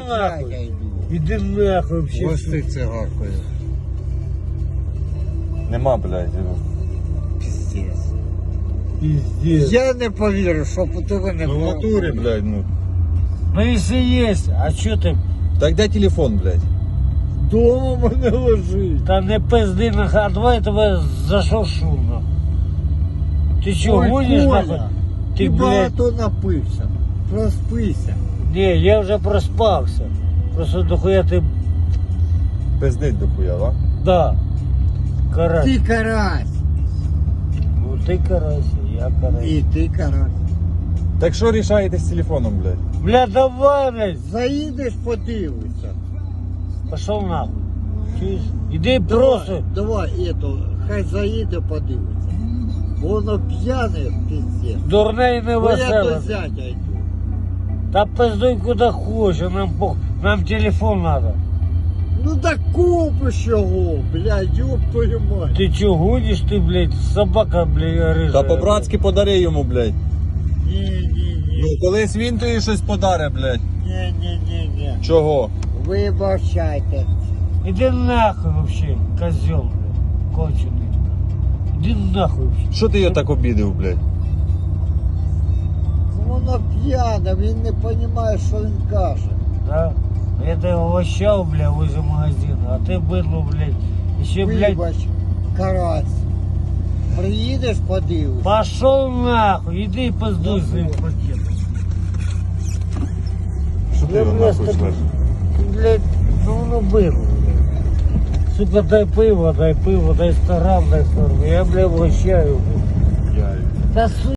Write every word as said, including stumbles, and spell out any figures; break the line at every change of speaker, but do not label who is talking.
нахуй.
Іди нахуй вообще.
Ось ти цигаркою.
Нема, блядь.
Пиздец.
Пиздец.
Я не повірю, що у тебе не
Ну в
було.
натурі, блядь, ну.
Ну если есть, а чё ты?
Так де телефон, блядь?
Дома мене лежить. Та не пизди нахуй, а давай я тебе зашошу нахуй. Ти чё,
Ой,
гонишь
Коля,
нахуй?
Ти
Ти, блядь,
багато напився. Проспися.
не, я вже проспався. Просто дохуя ти,
Пиздить дохуя, да?
да, карась.
Ти карась.
Ну ти карась, я карась.
І ти карась.
Так що рішаєте з телефоном, блядь?
Бля, давай, блядь,
Заїдеш, подивишся.
пошел нахуй. Чуєш? Іди
Давай,
просто.
давай, ето, хай заїде, подивиться. Воно п'яне, пиздец.
Дурне і не
Бо я до
веселе.
зятя йду.
Та пиздуй куди хочеш, нам пох... нам телефон надо.
Ну да купиш його, блядь, ёб твою мать.
Ти чо, гониш ти, блядь, собака, блядь, рижа.
Та по-братськи подари йому, блядь.
Ні, ні, ні,
Ну колись він тобі щось подаре, блядь.
ні, ні, ні, ні.
Чого?
Вибачайте.
Іди нахуй вообще, козел, блядь, кончений. Іди нахуй вообще.
Що ти його так обідив, блядь?
Ну, воно п'яне, він не розуміє, що він каже.
Да? Я тебе угощал, бля, возле магазина, а ты быдло, блядь, еще, блядь,
Вибач, карась. Приїдеш, подивишся.
пошел нахуй, иди и пиздуй своим пакетом.
Що ти
Я,
його
бля,
нахуй
с тобой-
шлеш?
Блядь, ну оно было, блядь. Сука, дай пиво, дай пиво, дай сто грамм, дай сто грамм. Я, бля, угощаю, блядь.
Я...
Да, сука.